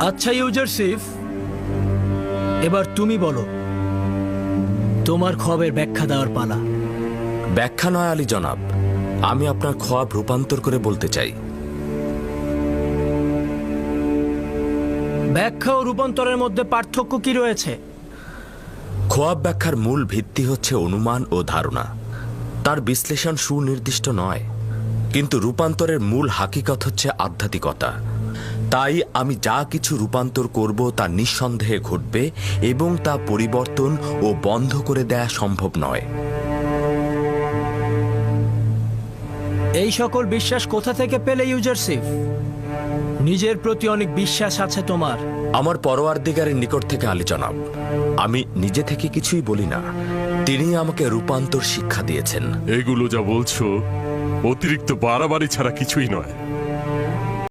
আচ্ছা ইউজারশিপ, এবার তুমি বলো, তোমার খবের ব্যাখ্যা দেওয়ার পালা। ব্যাখ্যা নয় আলী জনাব, আমি আপনার খোয়াব রূপান্তর করে বলতে চাই। ব্যাখ্যা ও রূপান্তরের মধ্যে পার্থক্য কি রয়েছে? খোয়াব ব্যাখ্যার মূল ভিত্তি হচ্ছে অনুমান ও ধারণা, তার বিশ্লেষণ সুনির্দিষ্ট নয়। কিন্তু রূপান্তরের মূল হাকিকত হচ্ছে আধ্যাত্মিকতা। তাই আমি যা কিছু রূপান্তর করব তা নিঃসন্দেহে ঘটবে এবং তা পরিবর্তন ও বন্ধ করে দেয়া সম্ভব নয়। এই সকল বিশ্বাস কোথা থেকে পেলে ইউজারশিপ? নিজের প্রতি অনেক বিশ্বাস আছে তোমার। আমার পরওয়ারদিগারের নিকট থেকে আলী জনাব। আমি নিজে থেকে কিছুই বলি না, তিনি আমাকে রূপান্তর শিক্ষা দিয়েছেন। এগুলো যা বলছো অতিরিক্ত বাড়াবাড়ি ছাড়া কিছুই নয়।